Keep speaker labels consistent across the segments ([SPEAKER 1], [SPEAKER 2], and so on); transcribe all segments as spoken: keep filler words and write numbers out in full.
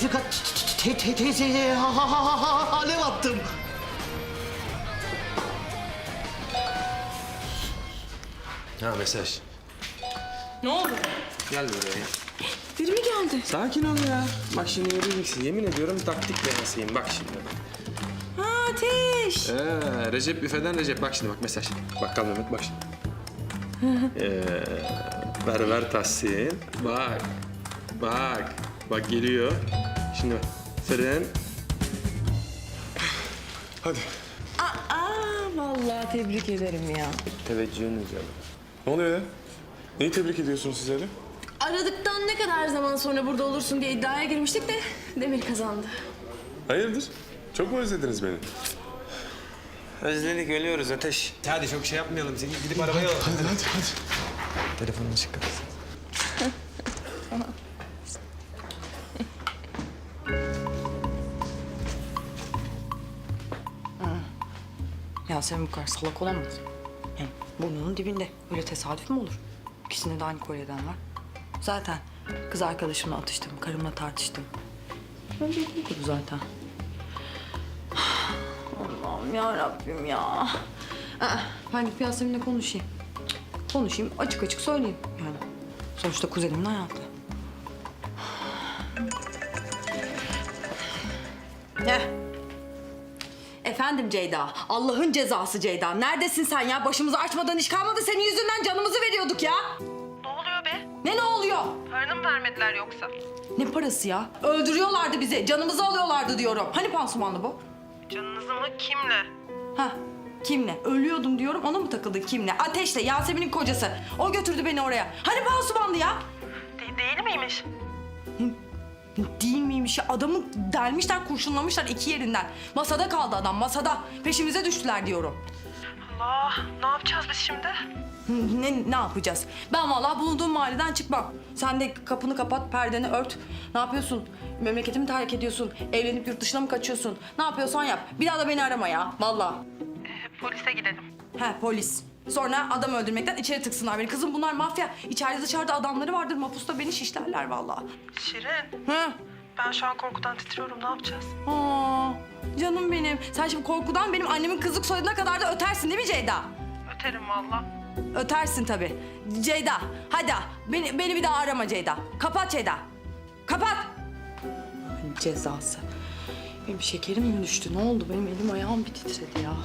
[SPEAKER 1] Refika te- te- teyzeye ha- ha- ha- ha- alev attım.
[SPEAKER 2] Ha mesaj.
[SPEAKER 3] Ne oldu?
[SPEAKER 2] Gel buraya.
[SPEAKER 3] Biri mi geldi?
[SPEAKER 2] Sakin ol ya. Bak şimdi göreceksin. Yemin ediyorum taktik denesiyim. Bak şimdi.
[SPEAKER 3] Ha Ateş.
[SPEAKER 2] Ee, Recep büfeden Recep. Bak şimdi bak mesaj. Bakkal Mehmet bak şimdi. ee, ver ver Tahsin. Bak. Bak. Bak geliyor. Şimdi bak. Fren. Hadi.
[SPEAKER 3] Aa, vallahi tebrik ederim ya.
[SPEAKER 2] Teveccühünüz ya.
[SPEAKER 4] Ne oluyor ya? Neyi tebrik ediyorsunuz siz öyle?
[SPEAKER 3] Aradıktan ne kadar zaman sonra burada olursun diye iddiaya girmiştik de Demir kazandı.
[SPEAKER 4] Hayırdır? Çok mu özlediniz beni?
[SPEAKER 2] Özledik ölüyoruz Ateş. Hadi çok şey yapmayalım. Seni gidip arabaya al.
[SPEAKER 4] Hadi hadi hadi.
[SPEAKER 2] Telefonunu çıkar.
[SPEAKER 5] Yasemin bu kadar salak olamaz. Yani burnunun dibinde. Öyle tesadüf mü olur? İkisinde de aynı kolyeden var. Zaten kız arkadaşımla atıştım, karımla tartıştım. Öyle değildi bu zaten. Allah'ım ya Rabbim ya. Aa, ben gidip Yasemin'le konuşayım. Konuşayım, açık açık söyleyeyim yani. Sonuçta kuzenimin hayatı. Gel. Efendim Ceyda, Allah'ın cezası Ceyda. Neredesin sen ya? Başımızı açmadan iş kalmadı. Senin yüzünden canımızı veriyorduk ya.
[SPEAKER 6] Ne oluyor be?
[SPEAKER 5] Ne ne oluyor?
[SPEAKER 6] Paranı mı vermediler yoksa?
[SPEAKER 5] Ne parası ya? Öldürüyorlardı bizi. Canımızı alıyorlardı diyorum. Hani pansumanlı bu?
[SPEAKER 6] Canınızı mı? Kimle?
[SPEAKER 5] Ha, kimle? Ölüyordum diyorum. Ona mı takıldın kimle? Ateşle, Yasemin'in kocası. O götürdü beni oraya. Hani pansumanlı ya?
[SPEAKER 6] De- değil miymiş?
[SPEAKER 5] Değil miymiş ya? Adamı delmişler, kurşunlamışlar iki yerinden. Masada kaldı adam, masada. Peşimize düştüler diyorum.
[SPEAKER 6] Allah, ne yapacağız biz şimdi?
[SPEAKER 5] Ne, ne yapacağız? Ben vallahi bulunduğum mahalleden çıkmam. Sen de kapını kapat, perdeni ört. Ne yapıyorsun? Memleketimi terk ediyorsun. Evlenip yurt dışına mı kaçıyorsun? Ne yapıyorsan yap. Bir daha da beni arama ya, vallahi.
[SPEAKER 6] Ee, polise gidelim.
[SPEAKER 5] He, polis. Sonra adam öldürmekten içeri tıksınlar beni. Kızım bunlar mafya. İçeride dışarıda adamları vardır. Mapusta beni şişlerler vallahi.
[SPEAKER 6] Şirin,
[SPEAKER 5] Hı?
[SPEAKER 6] ben şu an korkudan titriyorum. Ne yapacağız?
[SPEAKER 5] Aa, canım benim. Sen şimdi korkudan benim annemin kızlık soyadına kadar da ötersin değil mi Ceyda?
[SPEAKER 6] Öterim valla.
[SPEAKER 5] Ötersin tabii. Ceyda, hadi beni, beni bir daha arama Ceyda. Kapat Ceyda. Kapat. Cezası. Benim şekerim mi düştü? Ne oldu? Benim elim ayağım bir titredi ya.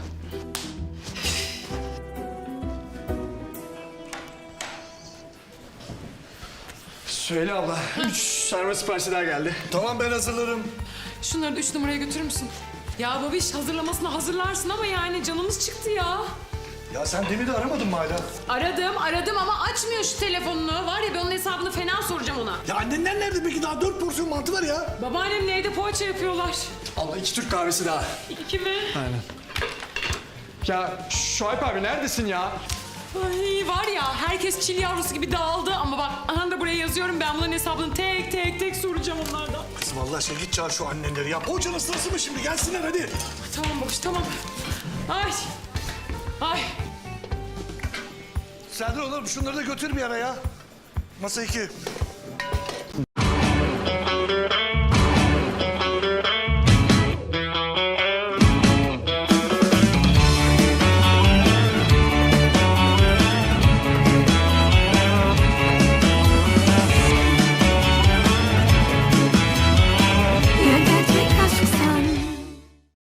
[SPEAKER 7] Söyle abla. Üç sarma siparişi daha geldi. Tamam ben hazırlarım.
[SPEAKER 8] Şunları da üç numaraya götürür müsün? Ya babiş hazırlamasını hazırlarsın ama yani canımız çıktı ya.
[SPEAKER 7] Ya sen Demir'i aramadın mı hala?
[SPEAKER 8] Aradım aradım ama açmıyor şu telefonunu. Var ya ben onun hesabını fena soracağım ona.
[SPEAKER 7] Ya annenler nerede peki? Daha dört porsiyon mantı var ya.
[SPEAKER 8] Babaannemle evde poğaça yapıyorlar.
[SPEAKER 7] Allah iki Türk kahvesi daha.
[SPEAKER 8] İki mi?
[SPEAKER 7] Aynen. Ya Şuayb abi neredesin ya?
[SPEAKER 8] Ay var ya herkes çil yavrusu gibi dağıldı ama bak aha da buraya yazıyorum ben bunların hesabını tek tek tek soracağım onlardan.
[SPEAKER 7] Kızım Allah aşkına git çağır şu annenleri ya. Poğaçanın sırası mı şimdi? Gelsinler hadi.
[SPEAKER 8] Tamam babiş tamam. Ay. Ay.
[SPEAKER 7] Serdar oğlum şunları da götür bir ara ya. Masa iki.